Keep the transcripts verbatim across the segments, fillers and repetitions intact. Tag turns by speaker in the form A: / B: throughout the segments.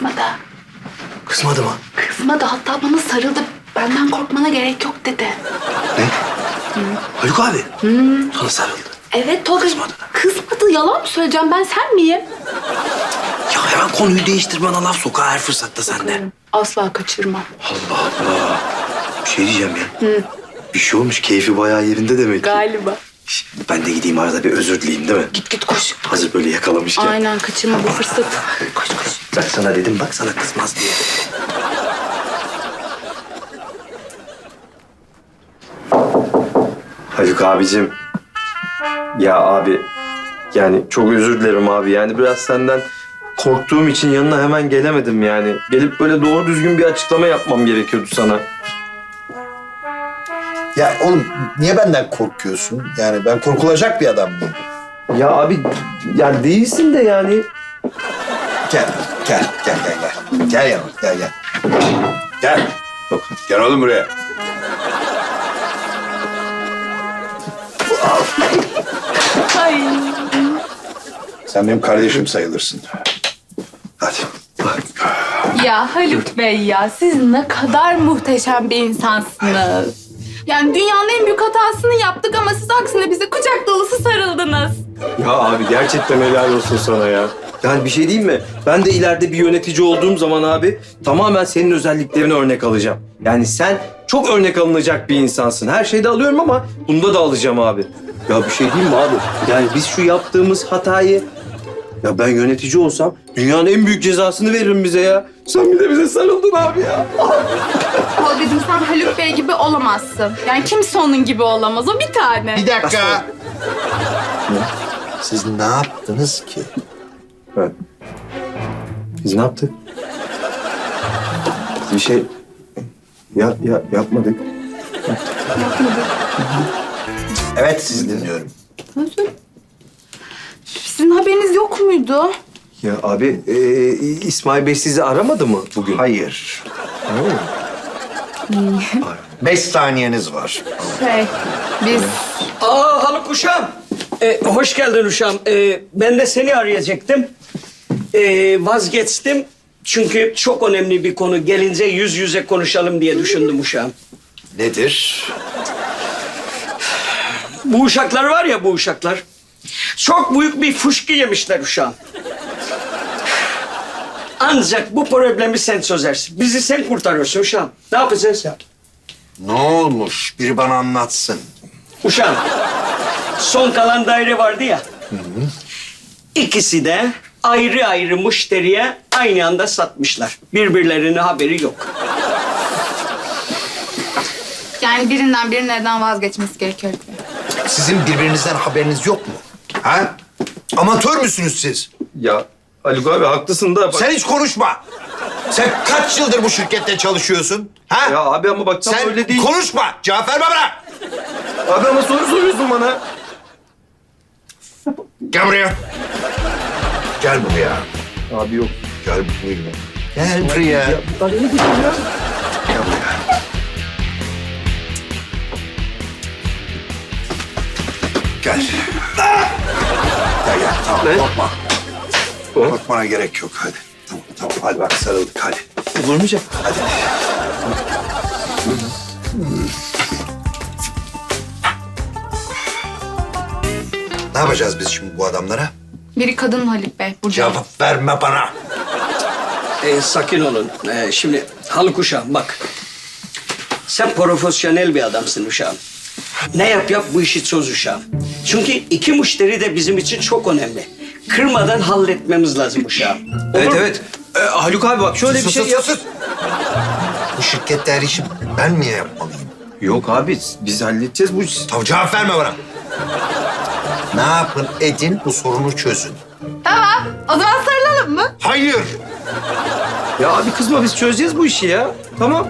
A: kızmadı.
B: Kızmadı mı?
A: Kızmadı, hatta bana sarıldı. Benden korkmana gerek yok dedi.
B: Ne? Haluk abi. Sana sarıldı.
A: Evet Tolga.
B: Kızmadı.
A: Kızmadı. Yalan mı söyleyeceğim, ben sen miyim?
B: Ya hemen konuyu değiştir, bana laf sok ha her fırsatta sende.
A: Asla kaçırmam.
B: Allah Allah. Bir şey diyeceğim ya. Bir şey olmuş, keyfi bayağı yerinde demek ki.
A: Galiba.
B: Şş, Ben de gideyim arada bir özür dileyeyim değil mi?
A: Git git koş.
B: Hazır böyle yakalamışken.
A: Aynen, kaçırma bu fırsatı. Koş koş.
B: Ben sana dedim bak, sana kızmaz diye. Haluk abicim. Ya abi, yani çok özür dilerim abi. Yani biraz senden korktuğum için yanına hemen gelemedim yani. Gelip böyle doğru düzgün bir açıklama yapmam gerekiyordu sana.
C: Ya oğlum niye benden korkuyorsun? Yani ben korkulacak bir adam mıyım?
B: Ya abi, yani değilsin de yani.
C: Gel, gel, gel, gel, gel. Gel yanıma, gel, gel. Gel.
B: Yok.
C: Gel oğlum buraya.
A: Ay.
C: Sen benim kardeşim sayılırsın. Hadi.
A: Ya Haluk Bey ya, siz ne kadar muhteşem bir insansınız. Yani dünyanın en büyük hatasını yaptık ama siz aksine bize kucak dolusu sarıldınız.
B: Ya abi gerçekten helal olsun sana ya. Yani bir şey diyeyim mi? Ben de ileride bir yönetici olduğum zaman abi tamamen senin özelliklerini örnek alacağım. Yani sen çok örnek alınacak bir insansın. Her şeyde alıyorum ama bunda da alacağım abi. Ya bir şey diyeyim mi abi? Yani biz şu yaptığımız hatayı... Ya ben yönetici olsam dünyanın en büyük cezasını veririm bize ya. Sen bir de bize sarıldın abi ya.
A: Tolga'cığım, sen Haluk Bey gibi olamazsın. Yani kimse onun gibi olamaz, o bir tane.
C: Bir dakika. Siz ne yaptınız ki?
B: Evet. Biz ne yaptık? Bir şey... Ya, ya yapmadık.
C: Evet, sizi dinliyorum.
A: Özür. Sizin haberiniz yok muydu?
B: Ya abi, e, İsmail Bey sizi aramadı mı bugün?
C: Hayır. Beş saniyeniz var.
A: Şey, biz...
D: Aa Haluk uşağım. Ee, hoş geldin uşağım. Ee, ben de seni arayacaktım. Ee, vazgeçtim. Çünkü çok önemli bir konu. Gelince yüz yüze konuşalım diye düşündüm uşağım.
C: Nedir?
D: Bu uşaklar var ya bu uşaklar. Çok büyük bir fışkı yemişler uşağım. Ancak bu problemi sen çözersin. Bizi sen kurtarıyorsun uşağım. Ne yapacağız ya?
C: Ne olmuş? Biri bana anlatsın.
D: Uşağım, son kalan daire vardı ya. İkisi de ayrı ayrı müşteriye aynı anda satmışlar. Birbirlerine haberi yok.
A: Yani birinden bir neden vazgeçmesi gerekiyor.
C: Sizin birbirinizden haberiniz yok mu? Ha? Amatör müsünüz siz?
B: Ya Haluk abi haklısın da... Bak...
C: Sen hiç konuşma. Sen kaç yıldır bu şirkette çalışıyorsun? Ha?
B: Ya abi ama bak tam
C: Sen
B: öyle değil.
C: konuşma. Cevap verme bana.
B: Abi ama soru soruyorsun bana.
C: Gel buraya. Gel buraya.
B: Abi yok.
C: Gel buraya. Gel buraya.
B: Ya, ben ne diyeyim ya?
C: Gel buraya. Gel. Gel gel. Tamam
B: Ne?
C: korkma.
B: Hı?
C: Korkmana gerek yok. Hadi. Tamam tamam. Hadi bak sarıldık hadi.
B: Vurmayacak.
C: Hadi. Ne yapacağız biz şimdi bu adamlara?
A: Biri kadın Haluk Bey, Burcu.
C: Cevap verme bana.
D: Ee, sakin olun. Ee, şimdi Haluk uşağım bak. Sen profesyonel bir adamsın uşağım. Ne yap yap bu işi çöz uşağım. Çünkü iki müşteri de bizim için çok önemli. Kırmadan halletmemiz lazım uşağım.
B: Evet
D: Olur mu?
B: evet. Ee, Haluk abi bak şöyle bir
C: Sus,
B: şey
C: sus,
B: yap.
C: sus. Bu şirkette her işi ben niye yapmalıyım?
B: Yok abi biz halledeceğiz bu işi.
C: Tamam cevap verme bana. Ne yapın edin bu sorunu çözün.
A: Tamam, o zaman sarılalım mı?
C: Hayır.
B: Ya abi kızma biz çözeceğiz bu işi ya. Tamam.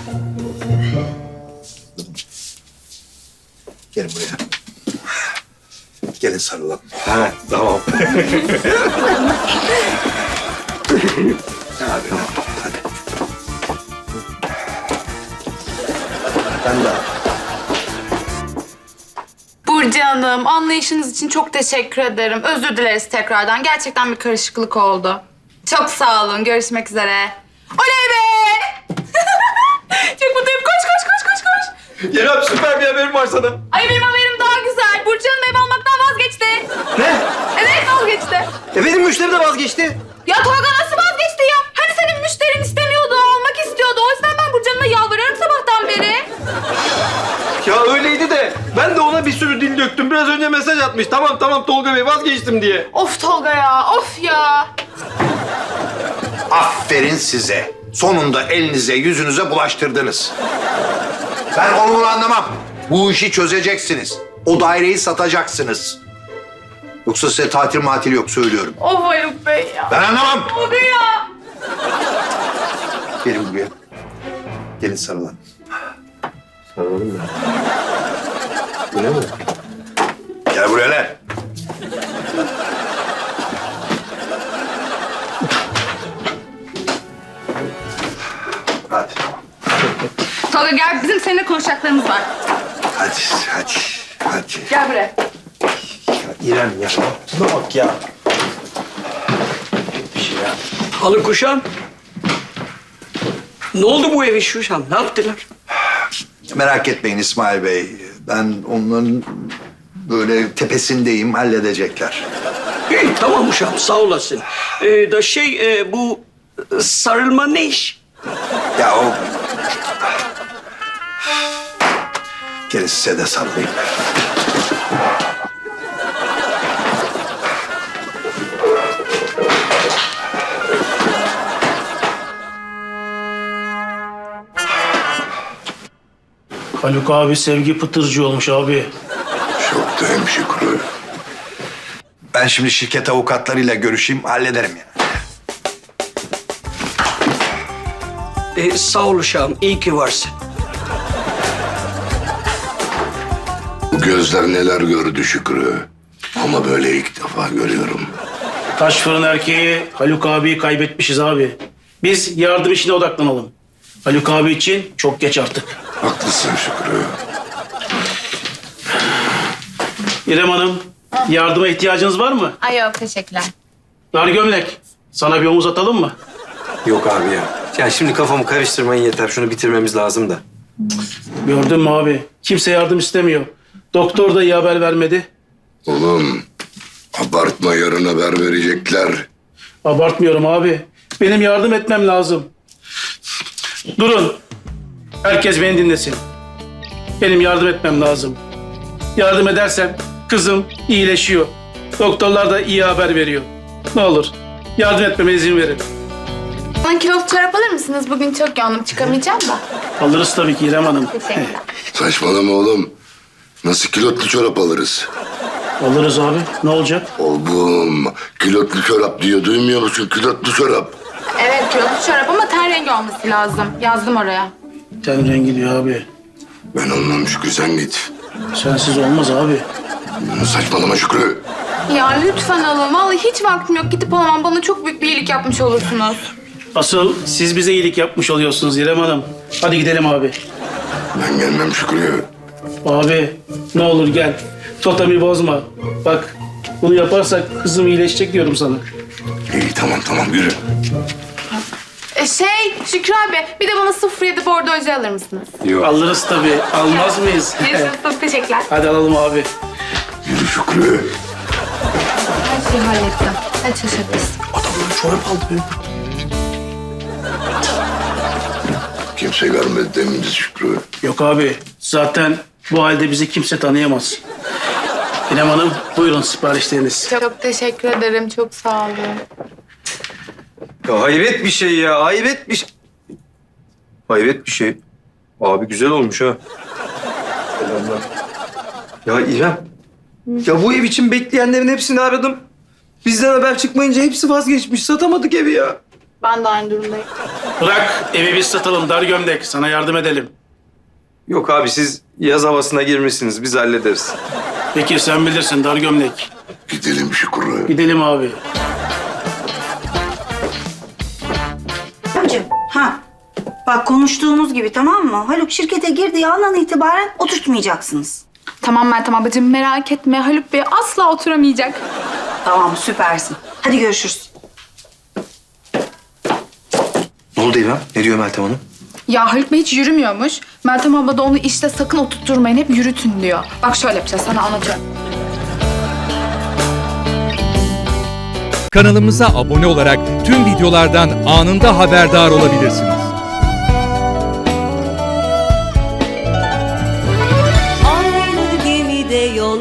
C: Gelin buraya. Gelin sarılalım.
B: Ha tamam.
C: Hadi. Hadi. Ben de.
A: Burcu Hanım, anlayışınız için çok teşekkür ederim. Özür dileriz tekrardan. Gerçekten bir karışıklık oldu. Çok sağ olun. Görüşmek üzere. Oley be! Çok mutluyum. Koş koş koş koş koş.
B: İrem süper bir haberim var sana.
A: Ay benim haberim daha güzel. Burcu Hanım ev almaktan vazgeçti.
B: Ne?
A: Evet vazgeçti.
B: E benim müşteri de vazgeçti.
A: Ya Tolga nasıl vazgeçti ya? Hani senin müşterin istemiyordu, almak istiyordu. O yüzden ben Burcu Hanım'a yalvarıyorum sabahtan beri.
B: Ya öyleydi de ben de ona bir sürü dil döktüm. Biraz önce mesaj atmış. Tamam tamam Tolga Bey vazgeçtim diye.
A: Of Tolga ya, of ya.
C: Aferin size. Sonunda elinize yüzünüze bulaştırdınız. Ben onu bunu anlamam. Bu işi çözeceksiniz. O daireyi satacaksınız. Yoksa size tatil matil yok söylüyorum.
A: Of Haluk Bey ya.
C: Ben anlamam.
A: Tolga ya.
C: Gelin buraya. Gelin sarılın.
B: Sarılalım mı? Bu ne mi?
C: Gel buraya lan. Hadi.
A: Tolga gel, bizim seninle konuşacaklarımız var.
C: Hadi, hadi, hadi.
A: Gel buraya.
B: İrem ya. Şuna bak ya.
D: Haluk uşağım. Ne oldu bu ev işi uşağım? Ne yaptılar?
C: Merak etmeyin İsmail Bey. Ben onların böyle tepesindeyim, halledecekler.
D: İyi tamam uşağım sağ olasın. Ee, da şey e, bu e, sarılma ne iş?
C: Ya o... Gelin size de sarılayım.
E: Haluk abi sevgi pıtırcı olmuş abi.
C: Çok da hemşikrü. Ben şimdi şirket avukatlarıyla görüşeyim, hallederim yani.
D: Ee, sağ ol uşağım iyi ki varsın.
F: Bu gözler neler gördü Şükrü. Ama böyle ilk defa görüyorum.
E: Taş fırın erkeği Haluk abiyi kaybetmişiz abi. Biz yardım işine odaklanalım. Haluk abi için çok geç artık.
F: Haklısın Şükrü.
E: İrem Hanım, yardıma ihtiyacınız var mı?
A: Ay yok, teşekkürler.
E: Dar gömlek, sana bir omuz atalım mı?
B: Yok abi ya. Ya şimdi kafamı karıştırmayın yeter. Şunu bitirmemiz lazım da.
E: Gördün mü abi? Kimse yardım istemiyor. Doktor da iyi haber vermedi.
F: Oğlum abartma, yarın haber verecekler.
E: Abartmıyorum abi. Benim yardım etmem lazım. Durun. Herkes beni dinlesin. Benim yardım etmem lazım. Yardım edersem kızım iyileşiyor. Doktorlar da iyi haber veriyor. Ne olur yardım etmeme izin verin.
A: Bana kiloluk çorap alır mısınız? Bugün çok yoğunum, çıkamayacağım da.
E: Alırız tabii ki İrem Hanım.
A: Teşekkürler.
F: Saçmalama oğlum. Nasıl kilotlu çorap alırız?
E: Alırız abi. Ne olacak?
F: Oğlum kilotlu çorap diyor, duymuyor musun? Kilotlu çorap.
A: Evet, kiloluk çorap ama ten rengi olması lazım. Yazdım oraya.
E: Ten rengi diyor abi.
F: Ben anlam Şükrü, sen git.
E: Sensiz olmaz abi.
F: Saçmalama Şükrü.
A: Ya lütfen alın. Vallahi hiç vaktim yok. Gidip alamam. Bana çok büyük bir iyilik yapmış olursunuz.
E: Asıl siz bize iyilik yapmış oluyorsunuz İrem Hanım. Hadi gidelim abi.
F: Ben gelmem Şükrü.
E: Abi ne olur gel. Totemi bozma. Bak bunu yaparsak kızım iyileşecek diyorum sana.
F: İyi tamam tamam yürü.
A: E şey, Şükrü abi bir de bana sıfır yedi bordo oje alır mısınız?
E: Alırız tabii. Almaz mıyız?
A: Neyse, çok teşekkürler.
E: Hadi alalım abi.
F: Yürü Şükrü.
A: Her şeyi hallettim. Hadi şaşırtırız.
E: Adamlar çorap aldı benim.
F: Kimse görmedi deminiz Şükrü.
E: Yok abi. Zaten bu halde bizi kimse tanıyamaz. İrem Hanım buyurun siparişleriniz.
A: Çok, çok teşekkür ederim. Çok sağ olun.
B: Ya hayret bir şey ya. Hayret bir şey. Hayret bir şey. Abi güzel olmuş ha. Selamlar. Ya İrem. Ya bu ev için bekleyenlerin hepsini aradım. Bizden haber çıkmayınca hepsi vazgeçmiş. Satamadık evi ya.
A: Ben de aynı durumdayım.
E: Bırak evi biz satalım dar gömlek. Sana yardım edelim.
B: Yok abi siz yaz havasına girmişsiniz. Biz hallederiz.
E: Peki sen bilirsin dar gömlek.
F: Gidelim Şükrü.
E: Gidelim abi.
G: Amcım, ha. Bak konuştuğumuz gibi tamam mı? Haluk şirkete girdiği andan itibaren oturtmayacaksınız.
A: Tamam Meltem ablacığım, merak etme. Haluk Bey asla oturamayacak.
G: Tamam, süpersin. Hadi görüşürüz.
B: oldu İrem? Ne diyor Meltem Hanım?
A: Ya Haluk Bey hiç yürümüyormuş. Meltem abla da onu işte sakın oturtturmayın, hep yürütün diyor. Bak şöyle yapacağız, sana anlatıyorum.
H: Kanalımıza abone olarak tüm videolardan anında haberdar olabilirsiniz.
I: Aynı gemide yol